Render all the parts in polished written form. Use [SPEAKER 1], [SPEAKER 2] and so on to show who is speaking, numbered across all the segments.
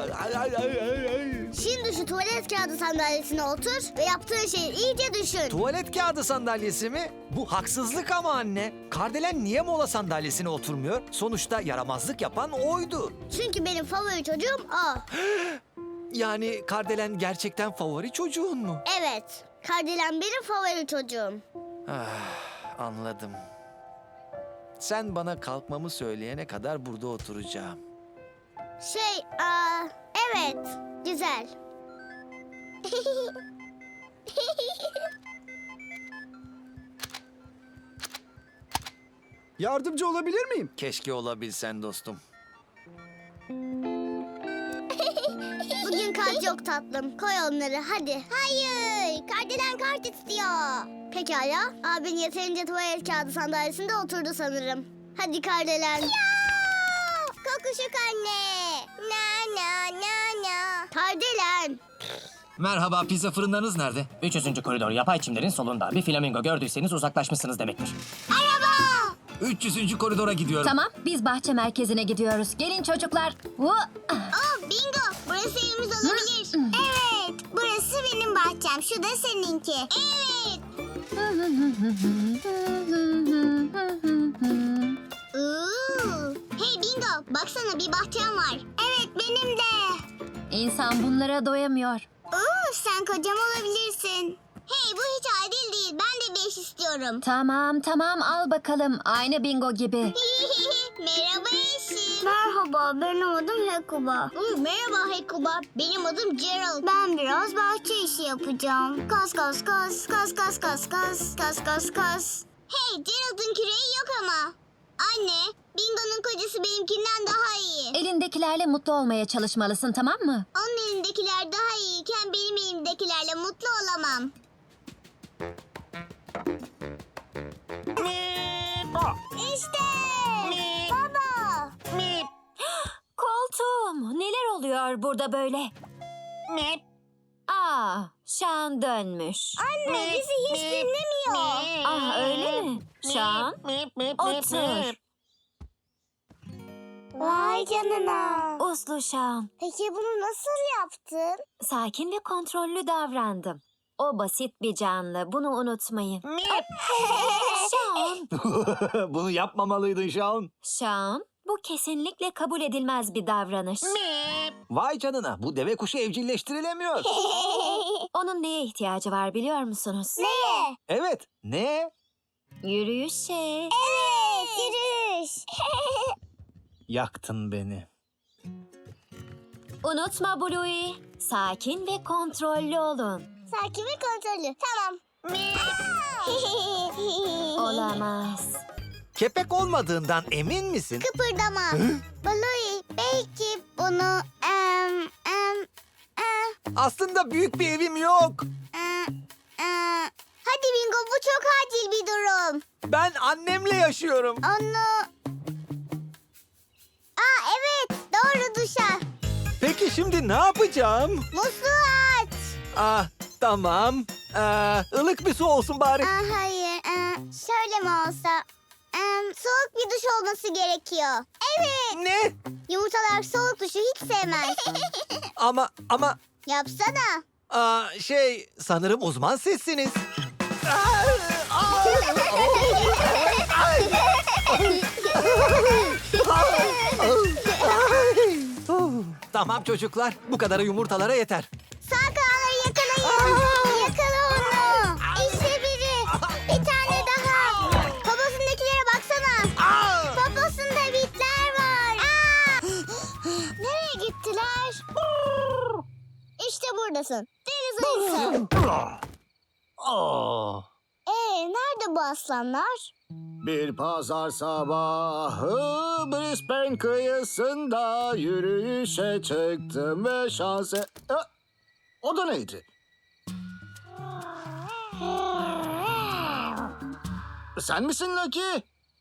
[SPEAKER 1] Şimdi şu tuvalet kağıdı sandalyesine otur ve yaptığın şeyi iyice düşün.
[SPEAKER 2] Tuvalet kağıdı sandalyesi mi? Bu haksızlık ama anne. Kardelen niye mola sandalyesine oturmuyor? Sonuçta yaramazlık yapan oydu.
[SPEAKER 1] Çünkü benim favori çocuğum o.
[SPEAKER 2] Yani Kardelen gerçekten favori çocuğun mu?
[SPEAKER 1] Evet, Kardelen benim favori çocuğum.
[SPEAKER 2] Anladım. Sen bana kalkmamı söyleyene kadar burada oturacağım.
[SPEAKER 1] Evet, güzel.
[SPEAKER 3] Yardımcı olabilir miyim?
[SPEAKER 2] Keşke olabilsen dostum.
[SPEAKER 1] Bugün kart yok tatlım. Koy onları hadi. Hayır. Kardelen kart istiyor. Pekala. Abin yeterince tuvalet kağıdı sandalyesinde oturdu sanırım. Hadi Kardelen. Kokuşuk anne. Na na na na. Kardelen.
[SPEAKER 4] Merhaba, pizza fırınlarınız nerede?
[SPEAKER 5] 300. koridor yapay çimlerin solunda. Bir flamingo gördüyseniz uzaklaşmışsınız demektir.
[SPEAKER 1] Araba.
[SPEAKER 2] 300. koridora gidiyorum.
[SPEAKER 6] Tamam, biz bahçe merkezine gidiyoruz. Gelin çocuklar.
[SPEAKER 1] Bingo. Burası evimiz olabilir. Evet. Burası benim bahçem. Şu da seninki. Evet. Hey Bingo. Baksana bir bahçem var. Evet benim de.
[SPEAKER 6] İnsan bunlara doyamıyor.
[SPEAKER 1] Sen kocam olabilirsin. Hey bu hiç adil değil. Ben de 5 istiyorum.
[SPEAKER 6] Tamam, al bakalım. Aynı bingo gibi.
[SPEAKER 1] Merhaba eşim. Merhaba benim adım Hekuba. Merhaba Hekuba. Benim adım Gerald. Ben biraz bahçe işi yapacağım. Kas. Hey Gerald'ın küreği yok ama. Anne, Bingo'nun kocası benimkinden daha iyi.
[SPEAKER 6] Elindekilerle mutlu olmaya çalışmalısın, tamam mı?
[SPEAKER 1] Onun elindekiler daha iyiyken benim elimdekilerle mutlu olamam. İşte. Baba.
[SPEAKER 6] Koltuğum. Neler oluyor burada böyle? Şan dönmüş.
[SPEAKER 1] Anne bizi hiç dinlemiyor.
[SPEAKER 6] Öyle mi? Şan, otur.
[SPEAKER 1] Vay canına.
[SPEAKER 6] Uslu Şan.
[SPEAKER 1] Peki bunu nasıl yaptın?
[SPEAKER 6] Sakin ve kontrollü davrandım. O basit bir canlı. Bunu unutmayın. Şan.
[SPEAKER 2] Bunu yapmamalıydın Şaun.
[SPEAKER 6] Şan, bu kesinlikle kabul edilmez bir davranış.
[SPEAKER 2] Vay canına, bu deve kuşu evcilleştirilemiyor.
[SPEAKER 6] Onun neye ihtiyacı var biliyor musunuz?
[SPEAKER 1] Neye?
[SPEAKER 2] Evet, ne?
[SPEAKER 6] Yürüyüşe.
[SPEAKER 1] Evet, yürüyüş.
[SPEAKER 2] Yaktın beni.
[SPEAKER 6] Unutma Bluey. Sakin ve kontrollü olun.
[SPEAKER 1] Sakin ve kontrollü. Tamam.
[SPEAKER 6] Olamaz.
[SPEAKER 2] Kepek olmadığından emin misin?
[SPEAKER 1] Kıpırdama. Bluey, belki bunu
[SPEAKER 2] Aslında büyük bir evim yok.
[SPEAKER 1] Hadi Bingo bu çok acil bir durum.
[SPEAKER 2] Ben annemle yaşıyorum.
[SPEAKER 1] Onu... evet doğru duşa.
[SPEAKER 2] Peki şimdi ne yapacağım?
[SPEAKER 1] Musluğu aç.
[SPEAKER 2] Tamam. Ilık bir su olsun bari.
[SPEAKER 1] Hayır. Şöyle mi olsa? Soğuk bir duş olması gerekiyor. Evet.
[SPEAKER 2] Ne?
[SPEAKER 1] Yumurtalar soğuk duşu hiç sevmez.
[SPEAKER 2] Ama
[SPEAKER 1] Yapsana.
[SPEAKER 2] sanırım uzman sizsiniz. Tamam çocuklar, bu kadarı yumurtalara yeter.
[SPEAKER 1] Sağ kanalları yakalayın. Yakala onu. İşte biri. Bir tane daha. Poposundakilere baksana. Poposunda bitler var. Nereye gittiler? İşte buradasın. Deniz ayısı. Nerede bu aslanlar?
[SPEAKER 3] Bir pazar sabahı Brisbane kıyısında yürüyüşe çıktım ve şanse... O da neydi? Sen misin Lucky?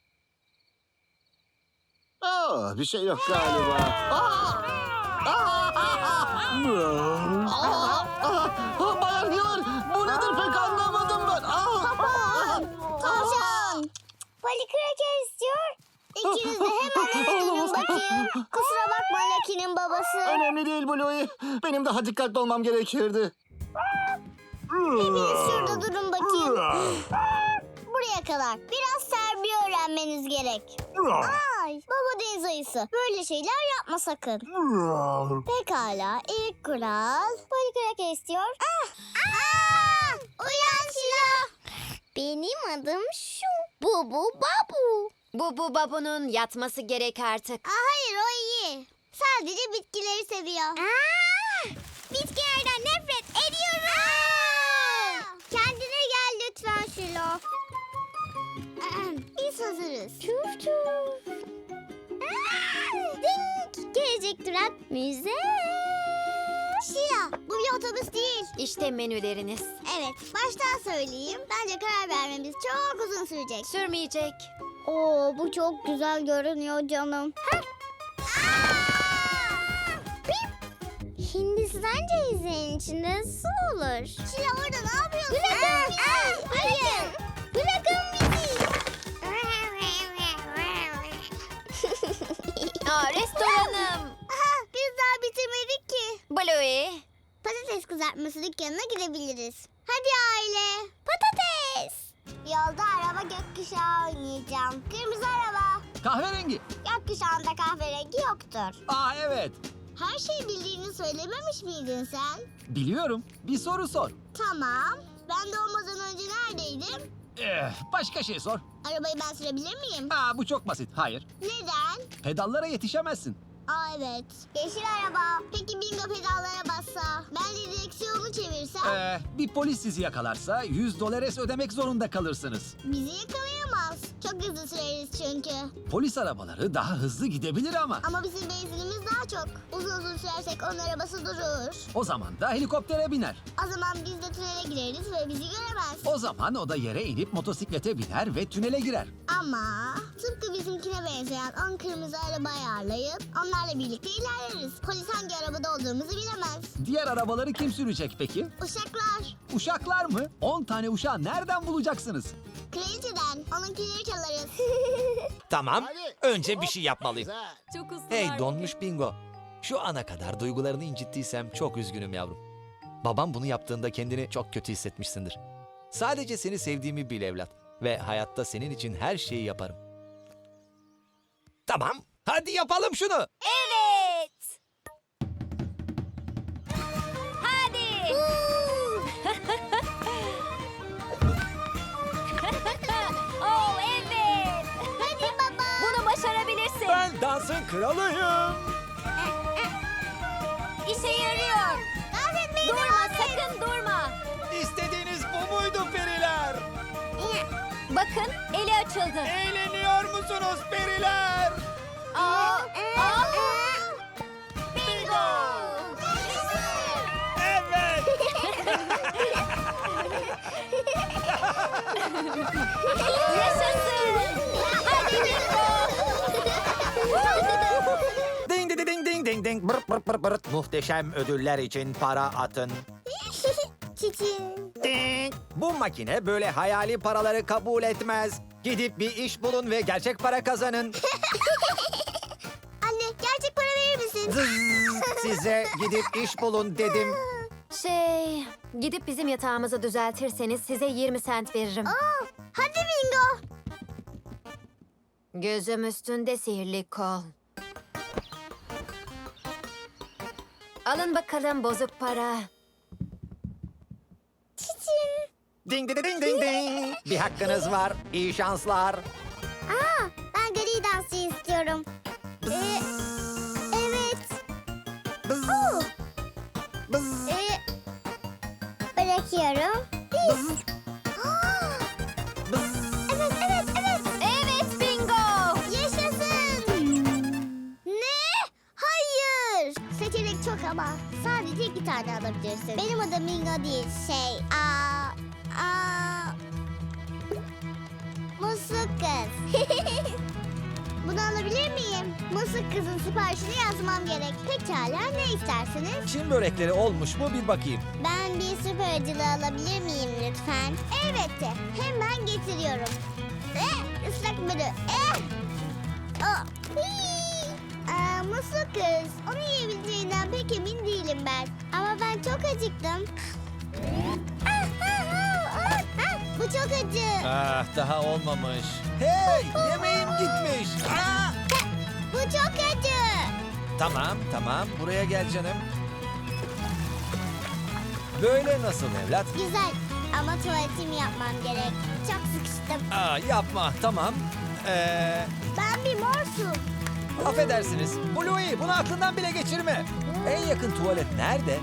[SPEAKER 3] Bir şey yok galiba. Bağırıyor. Bu nedir pek anlamadım ben.
[SPEAKER 1] Tavşan. Poli kraker istiyor. İkiniz de hemen eve dönün bakayım. Kusura bakma Lucky'nin babası.
[SPEAKER 3] Önemli değil Bluey. Benim daha dikkatli olmam gerekirdi.
[SPEAKER 1] Hepiniz şurada durun bakayım. Buraya kadar. Biraz terbiye öğrenmeniz gerek. Ay, baba deniz ayısı. Böyle şeyler yapma sakın. Pekala, ilk kural. Poligraf istiyor. Uyan Şila. Benim adım şu. Bubu Babu.
[SPEAKER 6] Bu babunun yatması gerek artık.
[SPEAKER 1] Hayır, o iyi. Sadece bitkileri seviyor. Bitkilerden nefret ediyorum. Kendine gel lütfen Şilo. Biz hazırız. Çuf çuf. Ding. Gelecek durak müze. Şila, bu bir otobüs değil.
[SPEAKER 6] İşte menüleriniz.
[SPEAKER 1] Evet, baştan söyleyeyim. Bence karar vermemiz çok uzun sürecek.
[SPEAKER 6] Sürmeyecek.
[SPEAKER 1] Oo, bu çok güzel görünüyor canım. Hindistan cevizinin içinde su olur. Şila orada ne yapıyorsun? Bırakın bizi. Hayır. Bırakın bizi.
[SPEAKER 6] Restoranım.
[SPEAKER 1] Aha, biz daha bitirmedik ki.
[SPEAKER 6] Bluey.
[SPEAKER 1] Patates kızartması dükkanına gidebiliriz. Hadi aile. Patates. Yolda araba gökkuşağı oynayacağım. Kırmızı araba.
[SPEAKER 2] Kahverengi.
[SPEAKER 1] Gökkuşağında kahverengi yoktur.
[SPEAKER 2] Aa evet.
[SPEAKER 1] Her şeyi bildiğini söylememiş miydin sen?
[SPEAKER 2] Biliyorum. Bir soru sor.
[SPEAKER 1] Tamam. Ben doğmadan önce neredeydim?
[SPEAKER 2] Başka şey sor.
[SPEAKER 1] Arabayı ben sürebilir miyim?
[SPEAKER 2] Bu çok basit. Hayır.
[SPEAKER 1] Neden?
[SPEAKER 2] Pedallara yetişemezsin.
[SPEAKER 1] Evet. Yeşil araba. Peki bingo pedallara bassa? Ben de direksiyonu çevirsem?
[SPEAKER 2] Bir polis sizi yakalarsa $100 ödemek zorunda kalırsınız.
[SPEAKER 1] Bizi yakalayamaz. Çok hızlı süreriz çünkü.
[SPEAKER 2] Polis arabaları daha hızlı gidebilir ama.
[SPEAKER 1] Ama bizim benzinimiz daha çok. Uzun sürersek onun arabası durur.
[SPEAKER 2] O zaman da helikoptere biner.
[SPEAKER 1] O zaman biz de tünele gireriz ve bizi göremez.
[SPEAKER 2] O zaman o da yere inip motosiklete biner ve tünele girer.
[SPEAKER 1] Ama tıpkı bizimkine benzeyen 10 kırmızı araba ayarlayıp onlarla birlikte ilerleriz. Polis hangi arabada olduğumuzu bilemez.
[SPEAKER 2] Diğer arabaları kim sürecek peki?
[SPEAKER 1] Uşaklar.
[SPEAKER 2] Uşaklar mı? 10 tane uşağı nereden bulacaksınız?
[SPEAKER 1] Kraliçeden. Onunkileri çalarız.
[SPEAKER 2] Tamam.
[SPEAKER 3] Hadi.
[SPEAKER 2] Önce bir şey yapmalıyım.
[SPEAKER 3] Güzel.
[SPEAKER 6] Çok uslu.
[SPEAKER 2] Hey donmuş bingo. Şu ana kadar duygularını incittiysem çok üzgünüm yavrum. Babam bunu yaptığında kendini çok kötü hissetmişsindir. Sadece seni sevdiğimi bil evlat. Ve hayatta senin için her şeyi yaparım. Tamam. Hadi yapalım şunu.
[SPEAKER 6] Evet. Hadi. Oh evet.
[SPEAKER 1] Hadi baba.
[SPEAKER 6] Bunu başarabilirsin.
[SPEAKER 2] Ben dansın kralıyım.
[SPEAKER 6] İşe yarıyor.
[SPEAKER 1] Dans etmeyi
[SPEAKER 6] Durma
[SPEAKER 1] devam et.
[SPEAKER 6] sakın durma.
[SPEAKER 2] İstediğiniz bu muydu periler?
[SPEAKER 6] Bakın eli açıldı.
[SPEAKER 2] Eğleniyor musunuz periler?
[SPEAKER 6] Bingo.
[SPEAKER 2] Evet.
[SPEAKER 6] Yaşasın. Hadi bingo.
[SPEAKER 2] Ding ding ding ding ding ding. Bır bır bır bır. Muhteşem ödüller için para atın.
[SPEAKER 1] Çiçin.
[SPEAKER 2] Ding. Bu makine böyle hayali paraları kabul etmez. Gidip bir iş bulun ve gerçek para kazanın.
[SPEAKER 1] Anne gerçek para verir misin?
[SPEAKER 2] Zzzz. Size gidip iş bulun dedim.
[SPEAKER 6] Gidip bizim yatağımızı düzeltirseniz size 20 sent veririm.
[SPEAKER 1] Hadi bingo.
[SPEAKER 6] Gözüm üstünde sihirli kol. Alın bakalım bozuk para.
[SPEAKER 1] Çiçin.
[SPEAKER 2] Ding ding ding ding ding. Bir hakkınız var. İyi şanslar.
[SPEAKER 1] Ben gri dansçı istiyorum. Evet. Oo. Bırakıyorum. Evet, evet, evet.
[SPEAKER 6] Evet bingo.
[SPEAKER 1] Yaşasın. Ne? Hayır. Seçenek çok ama sadece 2 tane alabilirsin. Benim adım Bingo değil. Musluk kız. Bunu alabilir miyim? Musluk kızın siparişini yazmam gerek. Pekala ne istersiniz?
[SPEAKER 2] Çin börekleri olmuş mu bir bakayım.
[SPEAKER 1] Ben bir süper acılı alabilir miyim lütfen? Elbette. Hemen getiriyorum. Islak börü. Mısır kız. Onu yiyebileceğinden pek emin değilim ben. Ama ben çok acıktım. Bu çok acı.
[SPEAKER 2] Ah, daha olmamış. Hey, yemeğim gitmiş. Ah!
[SPEAKER 1] Bu çok acı.
[SPEAKER 2] Tamam, buraya gel canım. Böyle nasıl evlat?
[SPEAKER 1] Güzel. Ama tuvaletimi yapmam gerek. Çok sıkıştım.
[SPEAKER 2] Yapma, tamam.
[SPEAKER 1] Ben bir morsum.
[SPEAKER 2] Affedersiniz. Bluey, bunu aklından bile geçirme. En yakın tuvalet nerede?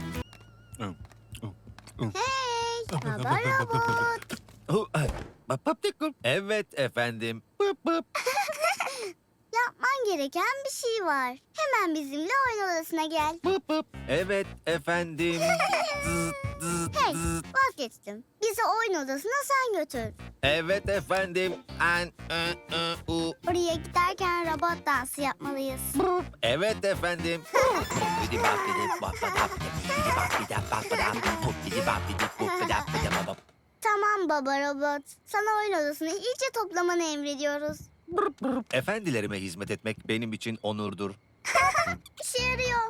[SPEAKER 1] Hey, baba robot.
[SPEAKER 2] Evet efendim.
[SPEAKER 1] Yapman gereken bir şey var. Hemen bizimle oyun odasına gel.
[SPEAKER 2] Evet efendim.
[SPEAKER 1] Hey, vazgeçtim. Bizi oyun odasına sen götür.
[SPEAKER 2] Evet efendim.
[SPEAKER 1] Oraya giderken robot dansı yapmalıyız.
[SPEAKER 2] Evet efendim.
[SPEAKER 1] Tamam baba robot. Sana oyun odasını iyice toplamanı emrediyoruz.
[SPEAKER 2] Efendilerime hizmet etmek benim için onurdur.
[SPEAKER 1] İşe yarıyor.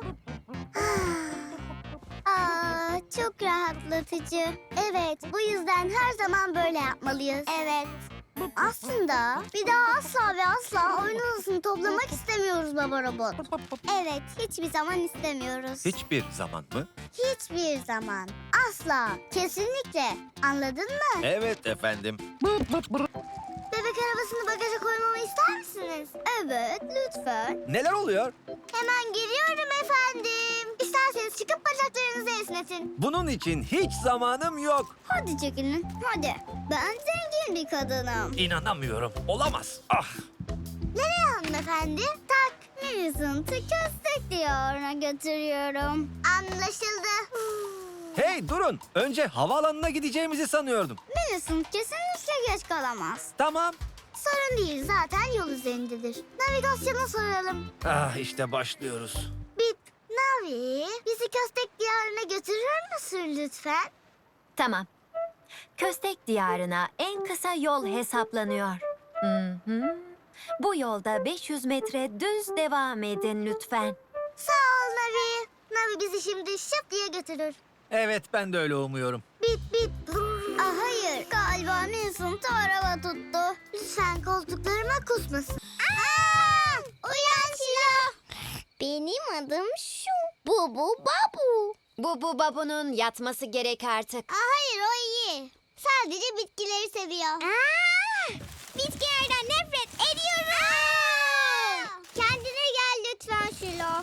[SPEAKER 1] Çok rahatlatıcı. Evet, bu yüzden her zaman böyle yapmalıyız. Evet. Aslında bir daha asla ve asla oyun odasını toplamak istemiyoruz baba robot. Evet, hiçbir zaman istemiyoruz.
[SPEAKER 2] Hiçbir zaman mı?
[SPEAKER 1] Hiçbir zaman. Asla. Kesinlikle. Anladın mı?
[SPEAKER 2] Evet efendim.
[SPEAKER 1] Bebek arabasını bagaja koymamı ister misiniz? Evet, lütfen.
[SPEAKER 2] Neler oluyor?
[SPEAKER 1] Hemen geliyorum efendim. İsterseniz çıkıp bacaklarınızı esnetin.
[SPEAKER 2] Bunun için hiç zamanım yok.
[SPEAKER 1] Hadi çekilin, hadi. Ben zengin bir kadınım.
[SPEAKER 2] İnanamıyorum. Olamaz. Ah.
[SPEAKER 1] Nereye hanımefendi? Tak. Millicent'ı köstek diyarına götürüyorum. Anlaşıldı.
[SPEAKER 2] Hey durun. Önce havaalanına gideceğimizi sanıyordum.
[SPEAKER 1] Millicent kesinlikle geç kalamaz.
[SPEAKER 2] Tamam.
[SPEAKER 1] Sorun değil, zaten yol üzerindedir. Navigasyona soralım.
[SPEAKER 2] Ah işte başlıyoruz.
[SPEAKER 1] Bip, Navi, bizi köstek diyarına götürür müsün lütfen?
[SPEAKER 6] Tamam. Köstek diyarına en kısa yol hesaplanıyor. Hı. Bu yolda 500 metre düz devam edin lütfen.
[SPEAKER 1] Sağ ol Navi. Navi bizi şimdi şıp diye götürür.
[SPEAKER 2] Evet ben de öyle umuyorum.
[SPEAKER 1] Bip bip. Hayır. Galiba Millicent araba tuttu. Lütfen koltuklarıma kusmasın. Uyan Şila. Benim adım şu. Bubu Babu.
[SPEAKER 6] Bu babunun yatması gerek artık.
[SPEAKER 1] Hayır o iyi. Sadece bitkileri seviyor. Bitkilerden nefret ediyorum. Kendine gel lütfen Şila.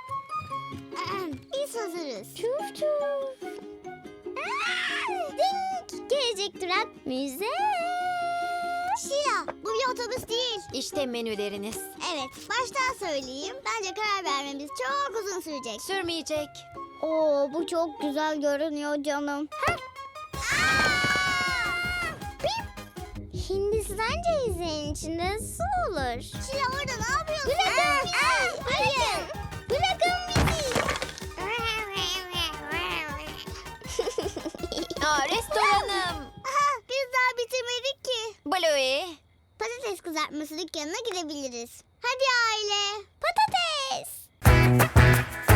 [SPEAKER 1] Biz hazırız. Çuf çuf. Ding. Gelecek durak müze. Şila bu bir otobüs değil.
[SPEAKER 6] İşte menüleriniz.
[SPEAKER 1] Evet baştan söyleyeyim. Bence karar vermemiz çok uzun sürecek.
[SPEAKER 6] Sürmeyecek.
[SPEAKER 1] Oo bu çok güzel görünüyor canım. Hindistan cevizinin içinde su olur. Şila orada ne yapıyorsun? Bırakın bizi. Hayır. Bırakın bizi.
[SPEAKER 6] Restoranım.
[SPEAKER 1] Biz daha bitirmedik ki.
[SPEAKER 6] Bluey.
[SPEAKER 1] Patates kızartması dükkanına gidebiliriz. Hadi aile. Patates.